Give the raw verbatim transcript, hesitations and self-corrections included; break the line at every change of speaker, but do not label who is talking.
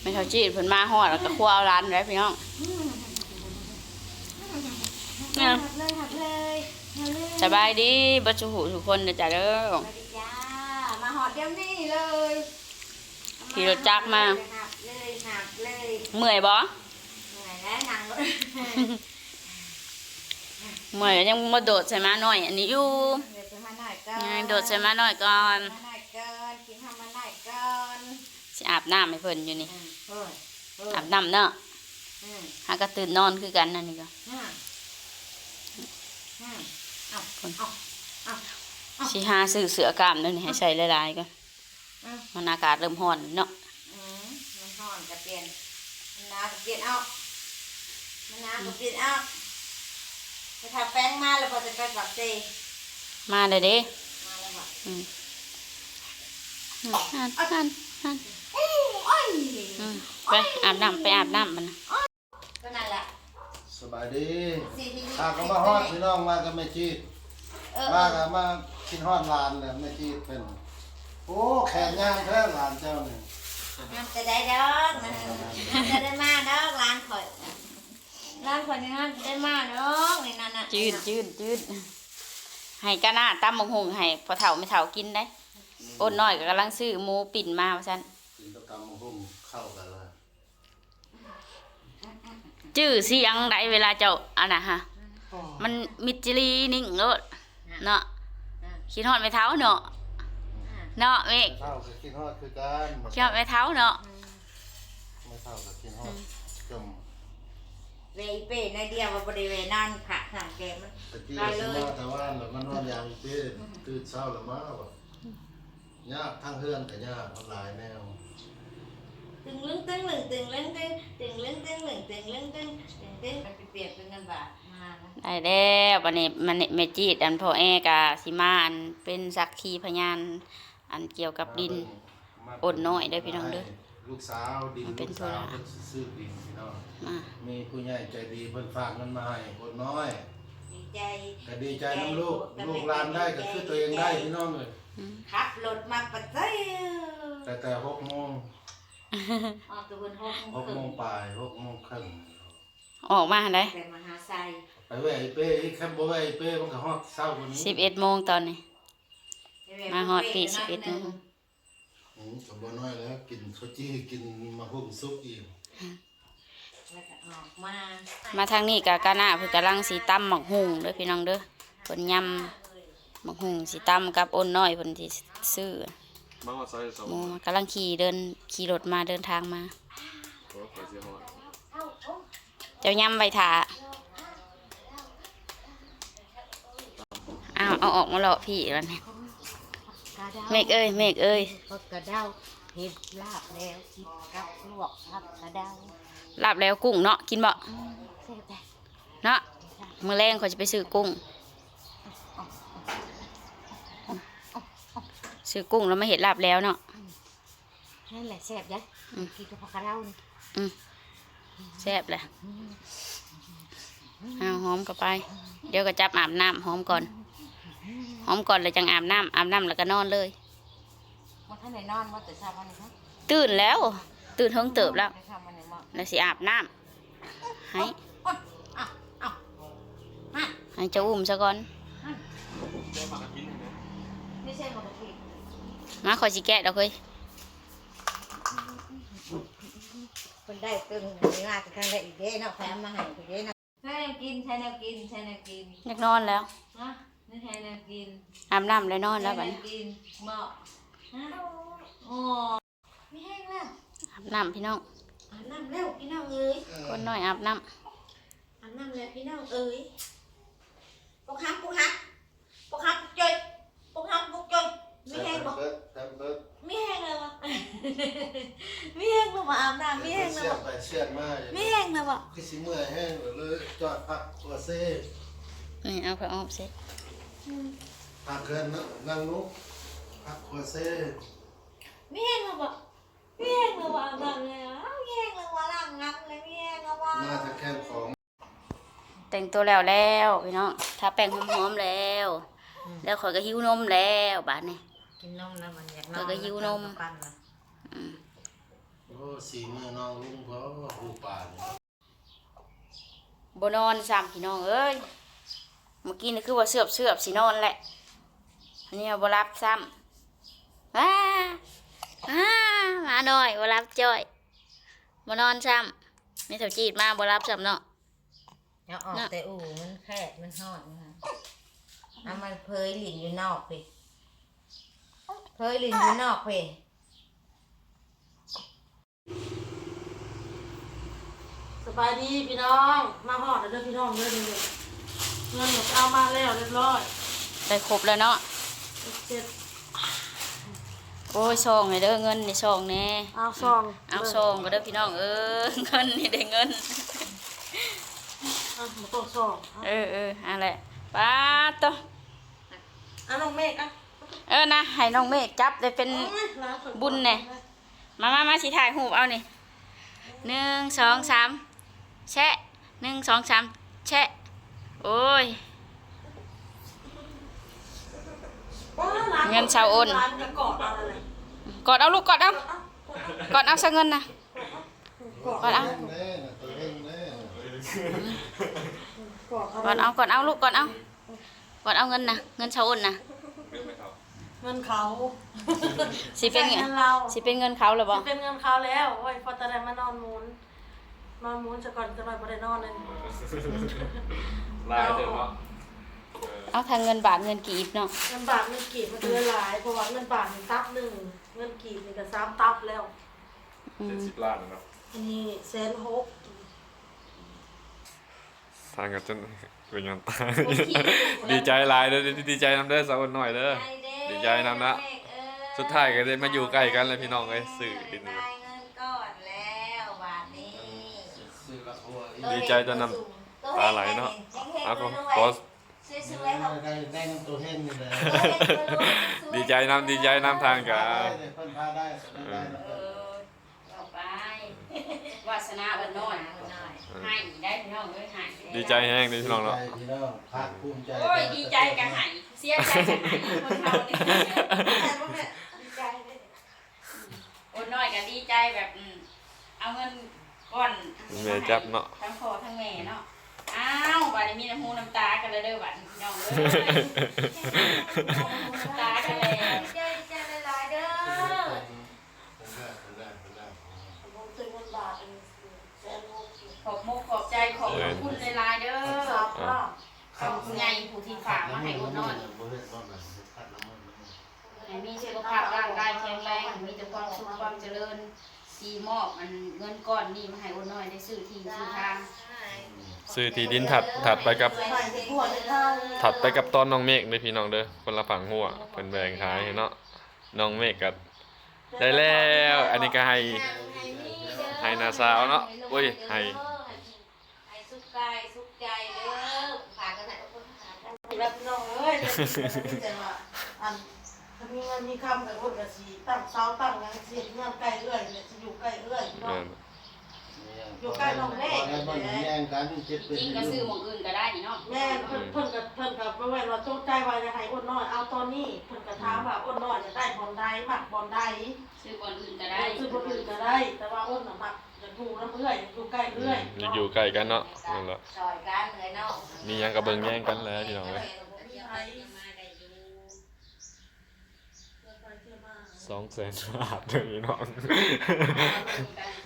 ไม่เท่าจีดเพิ่นมาฮอดแล้วก็คั่วเอาร้านไว้พี่น้องเนี่ยสบายดีบัดสุหุทุกคนนะจ๊ะเด้อ
มาหอดเดี๋ยวนี้เลย
ขี่รถจักรมา
เลยหนักเลย
เมื่อยบ่
เหนื่อยแล้วหนังเลย
เมื่อยยังมาโดดใส่มาหน่อยอันนี้อยู่โดดใส่มาหน่อยก่อน
กินทำมาหน่อยก่อน
สิอาบน้ำให้เพิ่นอยู่นี่อาบน้ำเนาะหาก็ตื่นนอนคือกันนั่นนี่ก็สิหาซื้อเสื้อกล้ามนั่นให้ใส่หลายๆก็มันอากาศเริ่มร้อนเนาะ
มันร้อนจะเปลี่ยนมันน้ำจะเปลี่ยนออกมันน้ำจะเปลี่ยนออกจะทาแป้งมาแล้วพอจะไปฝักเต
มาเลยเด้
มาแล้วว่ะ
อืมฮันฮันฮันไปอาบน้ำไปอาบน้ำมัน
ก็นั่นแหละ
สบายดีตาก็มาฮอดพี่น้องมากับแม่จีดมากับมากินฮอดหลานเลยแม่จีดเป็นโอ้แขนย่างแท้หลานเจ้าเนี่ย
จะได้ดอกจะได้มาดอกร้านข่อยร้านข่อยนี่นะได้มาดอกนี่นั่นน่ะ
จืดจืดจืดให้กะหน้าตั้มมงหงให้พอเฒ่าไม่เฒ่ากินได้อ้นน้อยก็กำลังซื้อหมูปิ่นมาว่าซั่น
กินตะกำมงหงเข้ากันเลย
จื้อเสียงได้เวลาเจ้าอันน่ะฮะมันมิดจิลีนิ่งโลดเนาะคิดฮอดไม่เฒ่าเนาะเนาะเมฆ
เท่ากับกินฮอดคือกัน
คิดฮอดไม่เฒ่าเนาะ
ไม่เท่ากับกินฮอดจม
เวเป้ในเดียวว่าบริเวณนั่นค่ะทางแกมัน
ตะกี้สิมาแต่ว่าแล้วมันนอนยามอีเป้ตื่นเช้าแล้วมาแบบยากทั้งเฮือนกับยากมันหลายแนว
ตึงลึงตึงหนึ่งตึงลึงตึงตึงลึงตึงหนึ่งตึงลึงตึงตึงตึงมันเปลี่ยนเป็นเงินบาทมา
ได้แล้ววันนี้มันเมจิตอันพ่อแอกาสิมาอันเป็นสักขีพยานอันเกี่ยวกับดินอดน้อยได้พี่น้องเด้อ
ลูกสาวดินลูกสาวเพิ่นซื้อดินพี่น้องมีผู้ใหญ่ใจดีเพิ่นฝากเงินมาให้อดน้อย
ดีใจ
ก็ดีใจน้ำลูกลูกหลานได้ก็คือตัวเองได้พี่น้องเลย
ขับรถมาปัจจัย
แต่แต่หกโมง
ออกตัวบนหกโมง
หกโมงปลายหกโมงครึ่ง
ออกมาได้
ไปมหาไซ
ไปแหวะเป้แค่บ่แหวะเป้มันก็ฮอดเช้าคนนี้
สิบเอ็ดโมงตอนนี้มาฮอดปีสิบเอ็ดโมง
อืมก็บ่น้อยแล้วกินข้าวจี้กินมาหุ่มซุปอีก
มา
มาทางนี้กับกาหน้าเพิ่นกำลังสีตั้มหมักหุ่งเด้อพี่น้องเด้อเพิ่นยำหมักหุ่งสีตั้มกับอ้นน้อยเพิ่นสิซื้อหมูกำลังขี่เดินขี่รถมาเดินทางมาเจ้ายำใบถาอ้าวเอาออกมาเลาะพี่วันนี้เมฆเอ้ยเมฆเอ้ย
กระเดาเห็ดลาบแล้วกินกับลวกผักกระเดา
ลาบแล้วกุ้งเนาะกินบ่เนาะมื้อแรงเขาจะไปซื้อกุ้งซื้อกุ้งแล้วมาเห็ดลาบแล้วเนาะ
นั่นแหละแซ่บยัยกินกับผักกระเดา
แซ่บเลยเอาหอมก็ไปเดี๋ยวก็จับอาบน้ำหอมก่อนหอมก่อนเลยจังอาบน้ำอาบน้ำแล้วก็นอนเลย
มาท่านไหนนอนมาตื่นเช้าวันนี้ครับ
ตื่นแล้วตื่นเฮิงเติบแล้วแล้วสิอาบน้ำให้ให้เจ้าอุ้มซะก่อนมาขอสิแกะดอกเฮ้ย
คนได้ตึงมีมาจะทางได้อีกเด้เนาะแถมมาให้อีกเด้เนาะใช่แนวกินใช่แนวกินใช่แนวกิน
อยากนอนแล้ว
นะนี่ใช่แนวกิน
อาบน้ำเลยนอนแล้วบัดนี้
กินเหมาะฮะโอ้ไม่แห้งแล้ว
อาบน้ำพี่น้อง
อาบน้ำแล้วพี่น้องเอ้ย
คนน้อยอาบน้
ำอาบน้ำแล้วพี่น้องเอ้ยปกฮักปกฮักปกฮักจอยปกฮักปกจอยไม่แห้งบ่ไม่แห้งเลยวะไม่แห้งเลยว่ะอาบน้ำไม่แห้งเลยวะ
เสียดมา
ไม่แห้งเลยวะ
คือสิเมื่อยแห้งเลยจอดพักตัวเซ่
นี่เอาไปออกเซ็ต
พักเกินนั่งลุกพักตัวเซ่
ไม่แห้งเลยวะไม่แห้งเลยวะอาบน้ำเลยอ่ะไม่แห้งเลยวะล้างน้ำเลยไม่แห้งเลยวะ
น่าจะแค่ของ
แต่งตัวแล้วแล้วพี่น้องทาแป้งหอมๆแล้วแล้วข่อยก็หิวนมแล้วบาดนี้
กินนมนะมันอยากน
อนก็หิวนม
โอ้ยสีมือน้องลุงเพราะว่าผู้ป่านี่
บ่นอนซ้ำพี่น้องเอ้ยเมื่อกี้นี่คือว่าเสือบเสือบสินอนแหละอันนี้บ่รับซ้ำว้าอ้ามาหน่อยบ่รับจ้อยบ่นอนซ้ำไม่เท่าจีดมาบ่รับซ้ำเนาะ
เอาออกแต่อู่มันแคบมันหอดนะคะเอามันเพยหลินอยู่นอกไปเพยหลินอยู่นอกไป
สบายดีพี่น้องมาหอดแล้วเด้อพี่น้องเด้อเด้อเงินหนูเอามาแล้วเรียบร้อย
ได้ครบแล้วเนาะ
เจ็ด
โอ้ยซองให้เด้อเงินนี่ซองแน่
เอาซอง
เอาซองก็เด้อพี่น้องเออเงินนี่ได้เงิน
เอาหมูตัวซอง
เออเอออะไรป้าตัว
เอาน้องเมฆอ่ะ
เออนะให้น้องเมฆจับได้เป็น
โอ้ยร้านเปิด
บุญแน่มามามาสิถ่ายรูปเอานี่หนึ่งสองสามแชะหนึ่งสองสามแชะโอ้ย เงินชาวอ้น
ร้านจะกอดเอาอะไร
กอดเอาลูกกอดเอากอดเอาซะเงินนะกอดเอา
เล่นเล่นตัวเล่นเล่น
กอดเอา
กอดเอากอดเอาลูกกอดเอากอดเอาเงินนะเงินชาวอ้นนะ
เงินเขา
สิเป็น
เงิ
เงิน
นเรา
สิเป็นเงินเขาหรือเปล่า
เป็นเงินเขาแล้วโอ้ยพอตอนนั้นมานอนมูนนอนมูนจะก่อนจะมาบ่ได้นอนเลย
ลายเดิมเนาะ
เอาทางเงินบาทเงินกีบเนาะ
เงินบาทเงินกีบมันเดือนหลายเพราะว่าเงินบาทนี่ตับหนึ่งเงินกีบนี่ก็สามตับแล้ว
อื
เจ็ด
ม
สิบล้านเนาะ
อันนี้แสนหก
ทางกันจนเป็นยังตายดีใจหลายเด้อดีใจนำเด้อสาวคนหน่อยเด้อ ดีใจนำนะ สุดท้ายก็ได้มาอยู่ใกล้กันเลยพี่น้องเอ้ยสื่อดิน
ได้เงินก้อนแล้วบาทนี้
ซื้อละหัวอีก
ดีใจจนน้ำตาไหลเนาะเอาก็ขอ
สวยๆเขา
ได้ได้เงินตัวเฮงนี่แหละ
ดีใจนำดีใจนำทางกั
ได้
น
เลยเพิ่นพาได้ก็ได้
เออเอาไปวาสนาเอิ้นน้อยให้ได้พี่น้องเอ้ยให้
ดีใจแห้งเลยพี่น้องเนาะ
พี่น้องภาคภูมิใจ
โอ้ยดีใจกับให้เสียใจกับให้คนเขาเนี่ย
ดีใจเลย
โอ้น้อยก็ดีใจแบบอืมเอาเงินก้อน
แม่จับเนาะ
ทั้งพ่อทั้งแม่เนาะอ้าวบัดนี้มีน้ำหูน้ำตากันเลยเด้อบัดนี้พี่น้องเอ้ยน้ำตากันเลย
ดีใจดีใจหลายๆเด้อ
ผมซื้อเงินบาทอันนี้แสนหก
ขอบมุกขอบใจขอบคุณหลายๆเด้อ
สามล้าน
ขอบคุณใหญ่ผู้ที่ฝากมาให้คนน้อย
บ่เฮ็ดบ่นั่นเฮ็ดพัดน้ำมัน
ให้มีสุขภาพร่างกายแข็งแรงมีแต่ความสุขความเจริญสีมอบมันเงินก้อนนี่มาให้คนน้อยได้ซื้อที่ซื้อทาง
ซื้อที่ดินถัดถัดไปกับ
ใส่ในหัวในข้าว
ถัดไปกับตอนน้องเมฆเลยพี่น้องเด้อคนละฝั่งหัวเพิ่นแบ่งขายให้เนาะน้องเมฆก็ได้แล้วอันนี้ก็ให้ ให้นาสาวเนาะโอ้ยให้
ให้สุขกายสุขใจเด้อฝากกันไหนก็คนหากัน
แบบน้องเอ้ยแต่ว่าอันถ้ามีเงินมีคำกับคนกับสีตั้งเสาตั้งหยังเสียเงินใกล้เอื้อยเนี่ยจะอยู่ใกล้เอื้อยพี่น้อง อยู่ใกล้น้องเมฆ
บ่ได้แย่งกันเจ็บเป็น
จริงก็ซื้อหมองอื่นก็ได้นี่เนาะ
แม่เพิ่นเพิ่นกับเพิ่นกับบ่แม่นว่าจงใจว่าจะให้อ้นน้อยเอาตอนนี้เพิ่นก็ถามว่าอ้นน้อยจะได้บอลใดมักบอลใด
ซื้อบอนอื่นก็
ได้
ได้
ซื้อบ่อื่นก็ได้ แต่ว่าอ้นน่ะมักจะถูกน้ำเอื้อยอยู่ใกล้เอื้อย
อยากอยู่ใกล้กันเนาะนั่นแหละ
ซอยกันเลยเนาะ
มีหยังก็เบิ่งแย่งกันแล้วพี่น้องเอ้ย สองแสนบาทเลยพี่น้อง